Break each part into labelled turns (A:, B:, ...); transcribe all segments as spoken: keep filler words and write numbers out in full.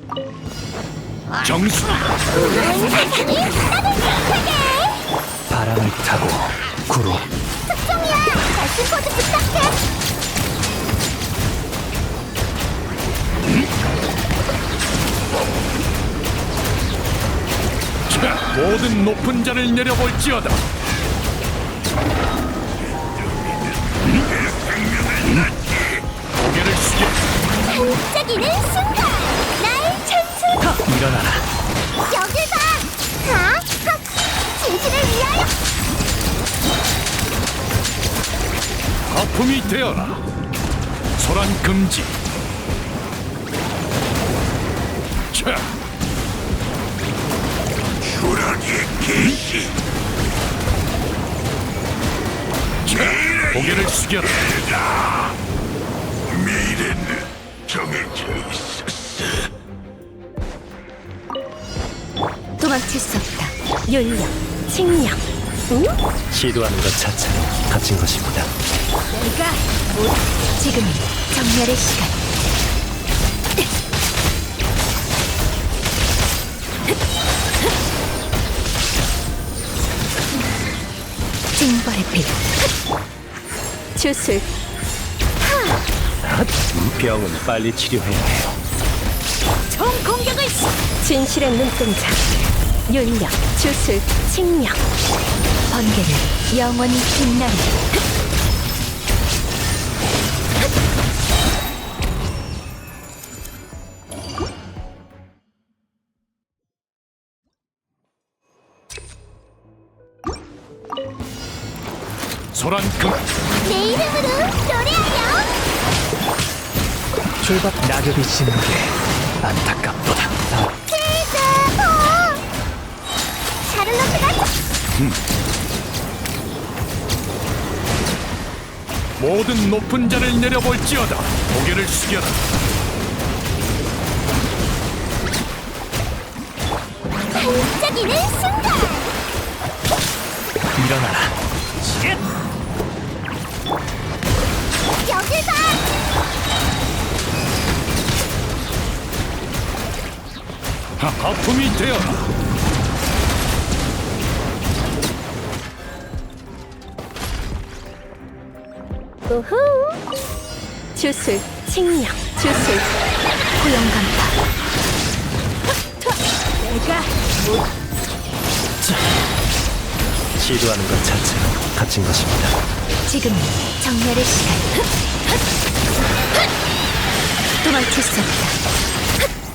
A: 정수.
B: 바람을 타고 구로
C: 특종이야! 날씨 코드 부탁해!
A: 자, 모든 높은 자를 내려볼지어다. 고개를 숙여.
C: 반짝이는 순간! 나의 천수!
B: 일어나라.
C: 여길 봐! 하! 헉! 진실을 위하여!
A: 거품이 되어라. 소란 금지. 자,
D: 추락의 개시.
A: 자, 고개를 숙여라.
D: 미래는 정해져 있었어.
C: 도망칠 수 없다. 윤력, 칭력. 응?
B: 시도하는 것 자체로 갇힌 것입니다.
C: 내가 못. 지금이 정렬의 시간. 징벌의 빛. 주술.
B: 병은 빨리 치료해야 해요.
C: 총 공격을 시. 진실의 눈동자. 윤력, 주술, 칭력. 번개는 영원히 빛나리.
A: 소란 금.
C: 내 이름으로 노래하여.
B: 출박 낙엽이 지는 게 안타깝도다. 아,
C: 필드보. 샤를로트가
A: 모든 높은 자를 내려볼지어다. 고개를 숙여라.
C: 반짝이는 순간.
B: 일어나라.
C: 여길 봐.
A: 하, 거품이 되어라.
C: 우후. 주술, 칭력, 주술, 고용간파. 내가
B: 시도하는 것 자체로 갇힌 것입니다.
C: 지금 정렬의 시간. 도망칠 수 없다.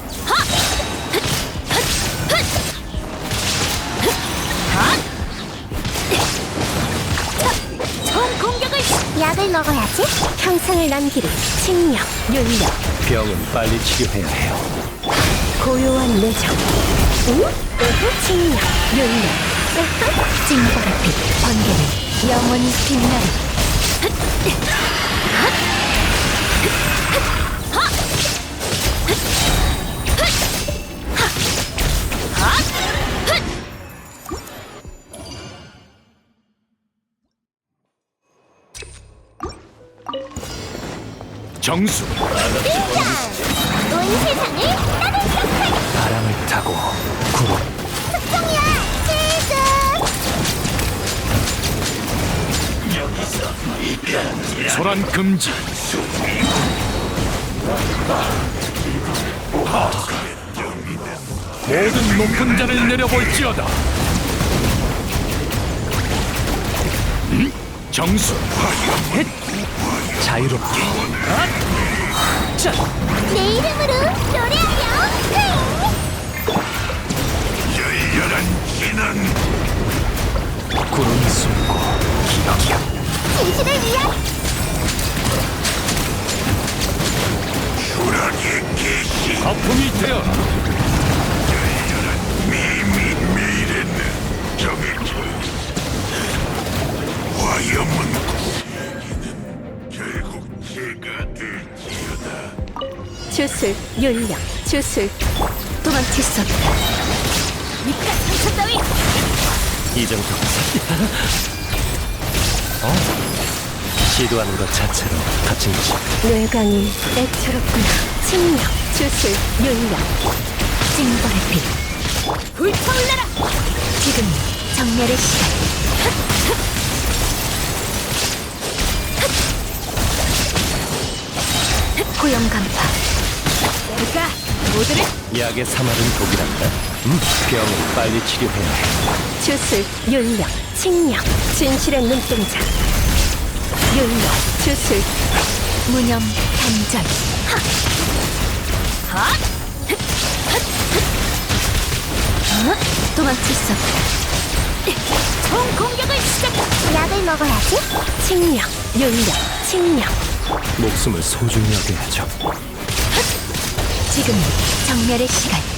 C: 총 공격을 시- 약을 먹어야지. 형상을 남기리. 칭력, 윤력,
B: 병은 빨리 치료해야 해요.
C: 고요한 내정. 응? 으흐, 칭력, 윤력, 으흐, 징벌의 빛, 번개는 영원히 빛나리.
A: 정수.
C: 등장! 온 세상을 따뜻하게.
B: 바람을 타고 구로
C: 특종이야! 치즈!
A: 소란 금지. 하. 모든 높은 자를 내려볼지어다. 음? 정수.
B: 자유롭게. 자,
C: 내 이름으로 노래하여!
D: 열렬한 진은
B: 구름이 숨고 기억이야.
C: 진실을 위한
D: 추락의 개시.
A: 거품이 되어라.
D: 미미 미래는 정해져 있어. 화염은 세기는 결국 제가 될지어다.
C: 주술, 윤력, 주술. 도망칠 수 없다. 니가 상처 따위!
B: 이 정도. 어? 시도하는 것 자체로 갇힌 것입니다.
C: 뇌강이 애처롭구나. 칭력, 주술, 윤력, 징벌의 빛. 불타올라라! 지금 정멸의 시간. 고용 간파. 내가 모두를
B: 약의 사말은 독이란다. 음, 병을 빨리 치료해야 해.
C: 주술, 윤력, 칭력, 진실의 눈동자. 윤력, 주술, 무념, 단절. 하! 하! 어? 도망칠 수 없다. 총 공격을 시작해. 약을 먹어야지. 칭력, 윤력, 칭력.
B: 목숨을 소중히 여겨야죠.
C: 지금 정멸의 시간.